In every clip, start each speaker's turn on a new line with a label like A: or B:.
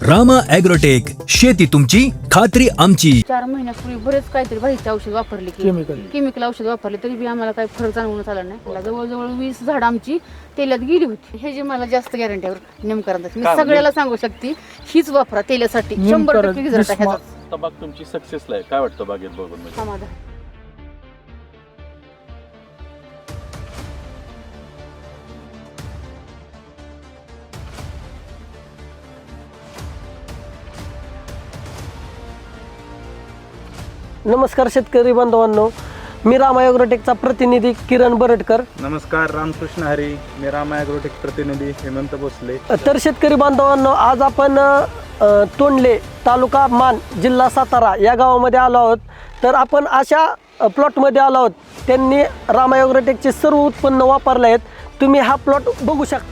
A: Rama agrotech, शेती तुमची, खात्री आमची.
B: 4 महिन्यापूर्वी बरेच काहीतरी बाहेरचे औषध वापरले केमिकल औषध वापरले तरी बी आम्हाला काही फरक जाणवून आला नाही. मला जवळजवळ 20 झाड आमची तेलात गेली होती. हे जे मला जास्त गॅरंटीवर नेमकं मी सगळ्याला सांगू शकते, हीच वापरा तेलासाठी 100% रिझल्ट आहे ह्याचा.
C: बाग तुमची सक्सेसला आहे. काय वाटतं बागेत बघून म्हणजे?
B: समाधान.
D: नमस्कार शेतकरी बांधवांनो, मी रामा ॲग्रोटेकचा प्रतिनिधी किरण बरटकर.
E: नमस्कार, रामकृष्ण हरी. मी रामा ॲग्रोटेक प्रतिनिधी हेमंत भोसले.
D: तर शेतकरी बांधवांनो, आज आपण तोंडले, तालुका मान, जिल्हा सातारा या गावामध्ये आलो आहोत. तर आपण अशा प्लॉटमध्ये आलो आहोत, त्यांनी रामा ॲग्रोटेकचे सर्व उत्पन्न वापरले आहेत. तुम्ही हा प्लॉट बघू शकता.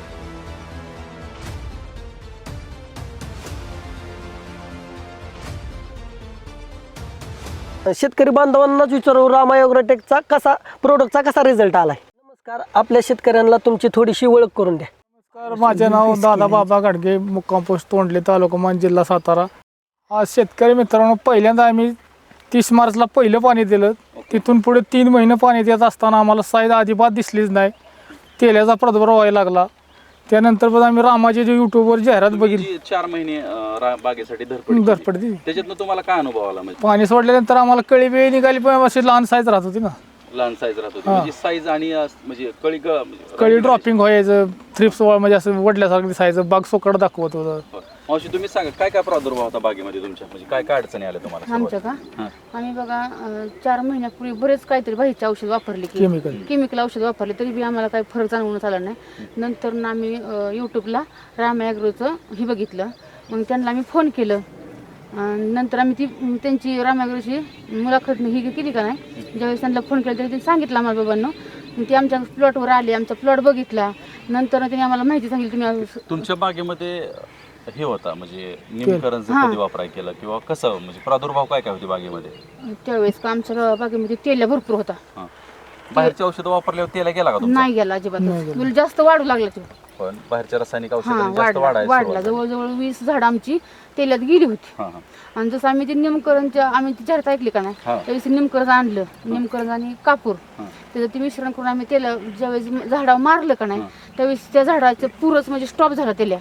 D: शेतकरी बांधवांनाच विचारू, रामा ॲग्रोटेकचा प्रोडक्टचा कसा रिझल्ट आलाय. नमस्कार, आपल्या शेतकऱ्यांना तुमची थोडीशी ओळख करून द्या.
F: नमस्कार, माझे नाव दादा बाबा गाडगे, मुक्काम पोस्ट तोंडले, तालुका मान, जिल्हा सातारा. आज शेतकरी मित्रांनो, पहिल्यांदा आम्ही 30 मार्चला पहिलं पाणी दिलं. तिथून पुढे 3 महिने पाणी देत असताना आम्हाला साईज अजिबात दिसलीच नाही. तेलाचा प्रादुर्भाव व्हायला लागला. त्यानंतर पण आम्ही रामाची जे युट्यूबवर जाहिरात बघितली.
C: 4 महिने बागेसाठी
F: धडपड दिली.
C: त्याच्यातनं तुम्हाला काय अनुभव आला? म्हणजे
F: पाणी सोडल्यानंतर आम्हाला कळी बी निघाली, पण अशी लहान साईज राहत होती ना.
C: लहान साईज राहत होती म्हणजे साईज आणि म्हणजे
F: कळी ड्रॉपिंग व्हायचं, थ्रिप्स म्हणजे असं वडल्यासारखं दिसायचं, बाग सोकड दाखवत होतं.
C: मावशी तुम्ही सांगा, काय काय प्रादुर्भाव होता बागेमध्ये तुमच्या? म्हणजे काय काय अडचणी आल्या तुम्हाला?
B: आमच्या का आम्ही बघा 4 महिन्यापूर्वी बरेच काहीतरी बाहेरचे औषध वापरले केमिकल औषध वापरले तरी बी आम्हाला काही फरक जाणवून आला नाही. नंतर ना आम्ही यूट्यूबला रामा ॲग्रोचं हे बघितलं. मग त्यांना आम्ही फोन केलं. नंतर आम्ही त्यांची रामा ॲग्रोची मुलाखत ही केली का नाही. ज्यावेळेस त्यांना फोन केला तरी त्यांनी सांगितलं आम्हाला बाबांनो. ते आमच्या प्लॉटवर आले, आमचा प्लॉट बघितला. नंतर त्यांनी आम्हाला माहिती सांगितली. तुम्ही
C: तुमच्या बागेमध्ये हे होता म्हणजे निमकरणचं कधी वापराय केलं किंवा कसं, म्हणजे प्रादुर्भाव काय काय होते बागेमध्ये
B: त्यावेळेस का आमच्या बागेमध्ये तेल भरपूर होता.
C: बाहेरचे औषधं वापरल्यावर तेला गेला का तुमचा?
B: नाही गेला अजिबात. जास्त वाढू लागला तो.
C: पण बाहेरच्या रासायनिक औषधांनी जास्त
B: वाढला. जवळजवळ 20 झाड आमची तेलात गेली होती. आणि जसं आम्ही ते निमकरणच्या आम्ही ती जाहिरात ऐकली का नाही, त्यावेळेस निमकरण आणलं. निमकरण आणि कापूर त्याचं ते मिश्रण करून आम्ही तेला ज्यावेळेस झाडावर मारलं का नाही, त्यावेळेस त्या झाडाचं पुरच म्हणजे स्टॉप झाला तेल्या.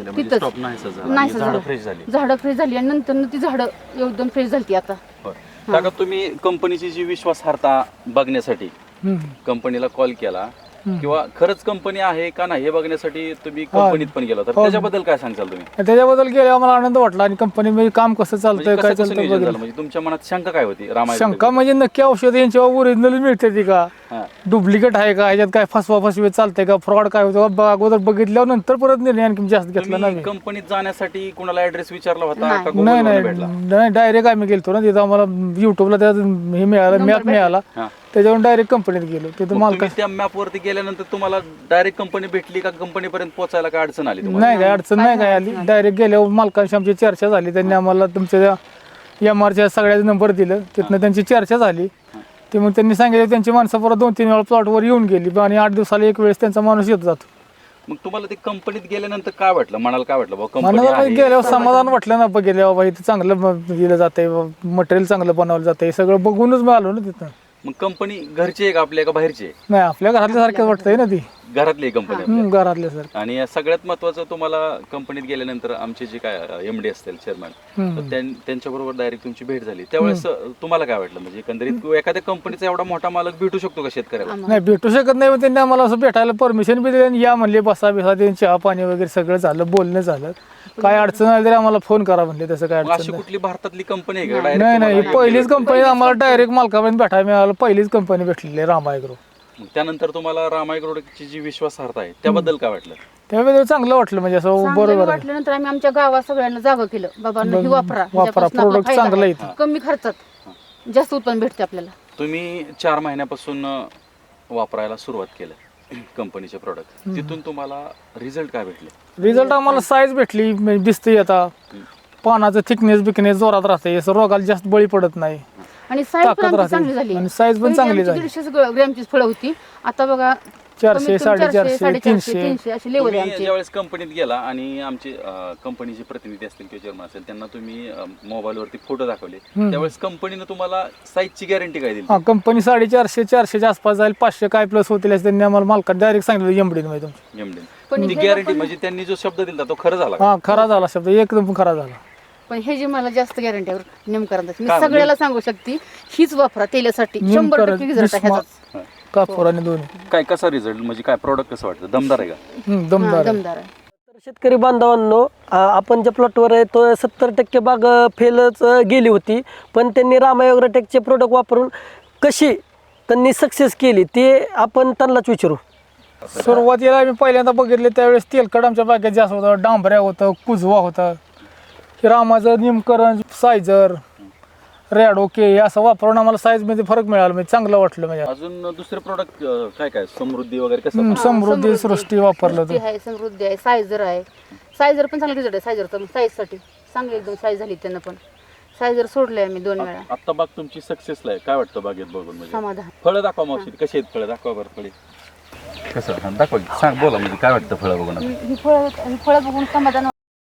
B: नाही झाडं फ्रेश झाली. आणि नंतर ती झाडं एकदम फ्रेश झाली. आता
C: काका, तुम्ही कंपनीची जी विश्वासार्हता बघण्यासाठी कंपनीला कॉल केला किंवा खरंच कंपनी आहे का नाही हे बघण्यासाठी तुम्ही कंपनीत पण गेला, तर त्याच्याबद्दल काय सांगाल तुम्ही?
F: त्याच्याबद्दल गेल्यावर मला आनंद वाटला. आणि कंपनीमध्ये काम कसं चालतंय, काय चालतंय,
C: म्हणजे तुमच्या मनात शंका काय होती?
F: शंका म्हणजे नक्की औषध यांच्यावर ओरिजिनल मिळते ती का, डुप्लिकेट आहे का, ह्याच्यात काय फसवा फसवी चालतंय का, फ्रॉड काय होतं, अगोदर बघितल्यावर नंतर परत निर्णय आणखी जास्त घेतला नाही.
C: कंपनीत जाण्यासाठी कोणाला ऍड्रेस विचारला होता?
F: नाही, डायरेक्ट आम्ही गेलतो ना. तिथं आम्हाला युट्यूबला त्या हे मिळाला, मॅप मिळाला. त्याच्यावरून डायरेक्ट कंपनीत गेलो. तिथं मालका
C: त्या मॅप वरती गेल्यानंतर तुम्हाला डायरेक्ट कंपनी भेटली का? कंपनीपर्यंत पोहोचायला काय अडचण आली?
F: नाही, काय अडचण नाही काय आली. डायरेक्ट गेल्यावर मालकांशी आमची चर्चा झाली. त्यांनी आम्हाला तुमच्या MRच्या सगळ्याचे नंबर दिलं. तिथनं त्यांची चर्चा झाली. ते मग त्यांनी सांगितलं त्यांची माणसं परत 2-3 वेळा प्लॉटवर येऊन गेली. आणि 8 दिवसाला एक वेळेस त्यांचा माणूस येत जातो.
C: मग तुम्हाला ते कंपनीत गेल्यानंतर काय वाटलं? मनाला काय वाटलं?
F: मनाला गेल्यावर समाधान वाटलं ना. गेल्यावर बाबा इथं चांगलं दिलं जातंय, मटेरियल चांगलं बनवलं जातंय, सगळं बघूनच मी आलो ना तिथं.
C: मग कंपनी घरची आहे का आपल्या का बाहेरची?
F: नाही, आपल्या घरातल्या सारखं वाटतंय ना ती.
C: घरातली कंपनी
F: घरातल्या सर.
C: आणि सगळ्यात महत्वाचं, तुम्हाला कंपनीत गेल्यानंतर आमचे जे काय MD असतील, चेअरमॅन, त्यांच्याबरोबर डायरेक्ट तुमची भेट झाली. त्यावेळेस तुम्हाला काय वाटलं? म्हणजे एकंदरीत एखाद्या कंपनीचा एवढा मोठा मालक भेटू शकतो का शेतकऱ्याला?
F: नाही, भेटू शकत नाही. त्यांनी आम्हाला असं भेटायला परमिशन बी दिली. या म्हणले बसा बिसा, चहा पाणी वगैरे सगळं झालं, बोलणं झालं. काय अडचण आली तरी आम्हाला फोन करा म्हणले. तसं काय
C: अशी कुठली भारतातली कंपनी आहे का?
F: नाही, पहिलीच कंपनी आम्हाला डायरेक्ट मालकापर्यंत भेटायला मिळालं. पहिलीच कंपनी भेटलेली आहे रामा ॲग्रो.
C: त्यानंतर तुम्हाला रामा ॲग्रोटेकची जी विश्वासार्हता आहे त्याबद्दल काय वाटलं?
F: त्यावेळेस चांगलं वाटलं. म्हणजे असं बरोबर
B: वाटल्यानंतर आम्ही आमच्या गावात सगळ्यांना जागं केलं, बाबा हे वापरा,
F: प्रोडक्ट चांगलं आहे,
B: कमी खर्चात जास्त उत्पन्न भेटते आपल्याला.
C: तुम्ही 4 महिन्यापासून वापरायला सुरुवात केलं कंपनीचे प्रोडक्ट, तिथून तुम्हाला रिझल्ट काय भेटले?
F: रिझल्ट आम्हाला साईज भेटली, दिसते. आता पानाचं थिकनेस जोरात राहते, रोगाला जास्त बळी पडत नाही.
B: आणि साईज पण चांगली झाली.
F: आणि साईज पण चांगली झाली.
B: 150 ग्रॅमची फळं होती, आता बघा
F: 400,
B: कमीत कमी
F: 450,
B: 400,
F: 300.
B: 300 अशी लेवल आहे
C: तुम्ही
B: आमची.
C: ज्यावेळेस कंपनीत गेला आणि आमचे कंपनीचे प्रतिनिधी असतील किंवा चेअरमन असेल त्यांना तुम्ही मोबाईलवरती फोटो दाखवले त्यावेळेस कंपनीनं तुम्हाला साईजची गॅरंटी काय दिली?
F: हा कंपनी 450, 400च्या आसपास जाईल, 500 काय प्लस होतील असं त्यांनी आम्हाला मालकात डायरेक्ट सांगितलं एमडी मध्ये तुमचं.
B: पण
C: ती
B: हे
C: गॅरंटी
B: पण-
C: म्हणजे त्यांनी जो शब्द दिला तो खरं झाला का?
F: हा खरा झाला शब्द, एकदम खरा झाला.
B: पण हे जे मला जास्त गॅरंटी आहे नेमकरांची, मी
C: काय म्हणजे?
B: सगळ्याला सांगू शकते हीच वापरा तेलासाठी, 100% रिझल्ट आहे ह्याचाच.
F: कापूर आणि दोन्ही
C: काय कसा रिझल्ट म्हणजे काय प्रोडक्ट कसं वाटतं दमदार आहे का?
F: दमदार आहे.
B: दमदार आहे.
D: तर शेतकरी बांधवांनो, आपण ज्या प्लॉटवर आहे तो 70% बाग फेलच गेली होती, पण त्यांनी रामा ॲग्रोटेकचे प्रोडक्ट वापरून कशी त्यांनी सक्सेस केली ते आपण त्यांनाच विचारू.
F: सुरुवातीला आम्ही पहिल्यांदा बघितले त्यावेळेस तेलकट आमच्या बागेत जास्त होतं, डांबऱ्या होतं, कुजवा होता. रामाचं निमकरण, सायझर, रॅडो के हे असं वापरून आम्हाला साईजमध्ये फरक मिळाला, म्हणजे चांगलं वाटलं. म्हणजे
C: अजून दुसरे प्रोडक्ट काय काय समृद्धी वगैरे कसं
F: समृद्धी सृष्टी वापरलं
B: सृष्टी आहे, समृद्धी आहे, सायझर आहे. सायझर पण चांगला रिझल्ट आहे. सायझरचा साईजसाठी चांगली एकदम साईज झाली त्यांना पण. सायझर सोडले आम्ही 2 वेळा.
C: आता बाग तुमची सक्सेसला आहे काय वाटतं बागेत बघून? म्हणजे
B: समाधान.
C: फळं दाखवा मावशी कशी आहेत फळं दाखवा बरं फळे कसं दाखवा की. सांग बोला म्हणजे काय वाटतं फळं बघून?
B: ही फळं बघून समाधान.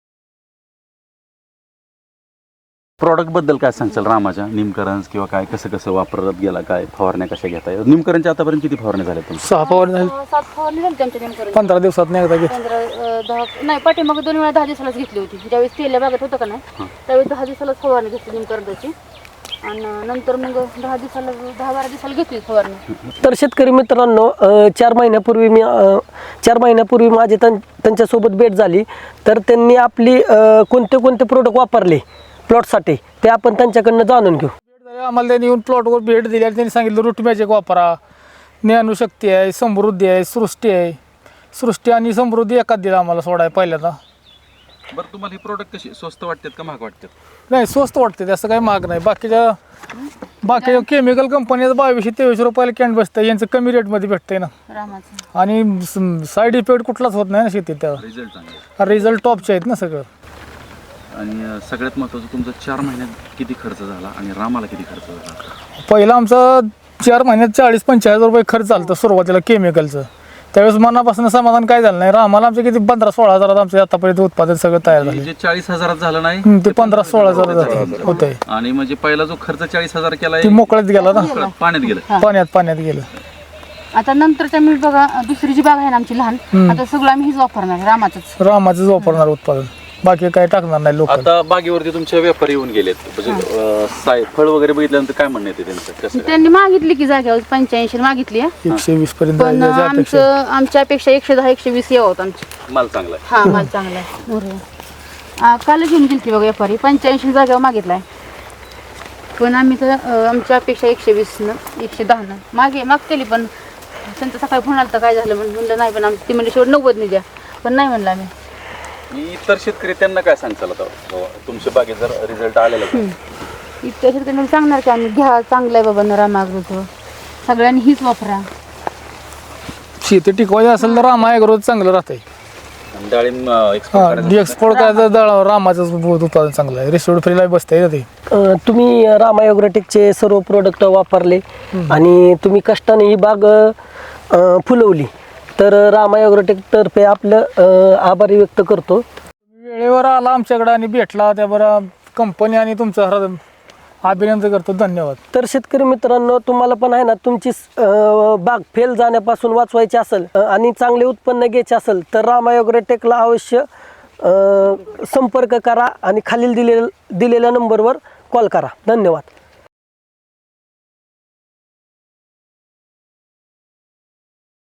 C: प्रॉडक्ट बद्दल काय सांगचाल रामाच्या निमकरंज किंवा काय कसं कसं वापरत गेला, काय फवारण्या कशा घेता? निमकरंजच्या आतापर्यंत किती फवारण्या झाल्या तुमच्या?
F: 6 फवारणी झाली,
B: 7 फवारणी झाली आमच्या नेमकरण.
F: 15 दिवसात एकदा घेतली.
B: 10 नाही पाठीमागे 2 वेळा 10 दिवसालाच घेतली होती. ज्यावेळेस तेल्या बागेत होतं का नाही त्यावेळेस 10 दिवसालाच फवारणी घेतली निमकरंदाची, आणि नंतर मग 10 दिवसाला 10-12 दिवसाला घेतली फवारणी.
D: तर शेतकरी मित्रांनो, 4 महिन्यापूर्वी माझी त्यांच्यासोबत भेट झाली. तर त्यांनी आपली कोणते कोणते प्रोडक्ट वापरले प्लॉटसाठी ते आपण त्यांच्याकडनं जाणून घेऊ.
F: आम्हाला त्यांनी येऊन प्लॉटवर भेट दिली आणि त्यांनी सांगितलं रूट मॅजिक वापरा, ज्ञानशक्ती आहे, समृद्धी आहे, सृष्टी आहे. सृष्टी आणि समृद्धी एकाच दिला आम्हाला सोडाय पहिल्यांदा.
C: बरं तुम्हाला हे प्रोडक्ट कशी स्वस्त वाटतात का महाग वाटतात?
F: नाही स्वस्त वाटते, त्याचं काही महाग नाही. बाकीच्या केमिकल कंपनीचं 2200-2300 रुपयाला कॅन बसतं, यांचं कमी रेटमध्ये भेटतंय ना.
B: रामाचं
F: आणि साईड इफेक्ट कुठलाच होत नाही ना शेतीत. त्यावर
C: रिझल्ट चांगला
F: रिझल्ट टॉपचे आहेत ना सगळं.
C: आणि सगळ्यात महत्त्वाचं तुमचा 4 महिन्यात किती खर्च झाला आणि रामाला किती खर्च झाला?
F: पहिला आमचा 4 महिन्यात 40-45 रुपये खर्च झाला सुरुवातीला केमिकलचं. त्यावेळेस मनापासून समाधान काय झालं नाही. आम्हाला आमचे किती 15-16 हजारात आमचे आतापर्यंत उत्पादन सगळं तयार झालं.
C: जे 40,000 झालं नाही
F: ते 15-16 हजार होते.
C: आणि म्हणजे पहिला जो खर्च 40,000 केला
F: ते मोकळ्यात गेला ना,
C: पाण्यात गेलं.
F: पाण्यात गेलं.
B: आता नंतरच्या मी बघा दुसरी जी बाग आहे ना आमची लहान, आता सगळं आम्ही हीच वापरणार रामाचंच.
F: रामाचंच वापरणार उत्पादन, बाकी काही टाकणार नाही लोक.
C: आता बागेवरती तुमचे व्यापारी येऊन गेलेत, म्हणजे फळ वगैरे बघितल्यानंतर काय म्हणणं येते त्यांचं कसं काय?
B: त्यांनी मागितली की जागेवर 85 मागितली आहे.
F: 120 पर्यंत
B: पण
F: जायची अपेक्षा आहे.
B: आमच्यापेक्षा 110-120 यावं होत आमची.
C: माल चांगला आहे.
B: हा माल चांगला आहे. बरोबर. कालच घेऊन गेली बघा व्यापारी 85 जागेवर मागितलाय. पण आम्ही तर आमच्या अपेक्षा 120 110 मागतेली, पण त्यांचं सकाळी फोन आला तर काय झालं म्हणलं नाही, पण ती म्हणजे शेवट 90 द्या, पण नाही म्हणलं आम्ही.
C: इतर शेतकरी त्यांना काय सांगचाल आता तुमच्या बागेत जर रिझल्ट आलेला तर?
B: इतक्या शेतकऱ्यांना सांगणार की आम्ही घ्या, चांगलं आहे बाबा रामागृत, सगळ्यांनी हीच वापरा.
F: शेती टिकवायची असेल तर रामा ॲग्रोच चांगलं राहतंय.
C: आणि डाळिंब
F: एक्सपोर्ट करायचं रामाचं उत्पादन चांगलं आहे. रिसोड फ्रीला बसतंय ते.
D: तुम्ही रामा ॲग्रोटेकचे सर्व प्रोडक्ट वापरले आणि तुम्ही कष्टाने ही बाग फुलवली, तर रामा ॲग्रोटेक तर्फे आपलं आभारी व्यक्त करतो.
F: वेळेवर आला आमच्याकडे आणि भेटला, त्याबरोबर कंपनी आणि तुमचं अभिनंदन करतो. धन्यवाद.
D: तर शेतकरी मित्रांनो, तुम्हाला पण आहे ना तुमची बाग फेल जाण्यापासून वाचवायची असेल आणि चांगले उत्पन्न घ्यायचे असेल तर रामा ॲग्रोटेकला अवश्य संपर्क करा आणि खालील दिलेल्या नंबरवर कॉल करा. धन्यवाद.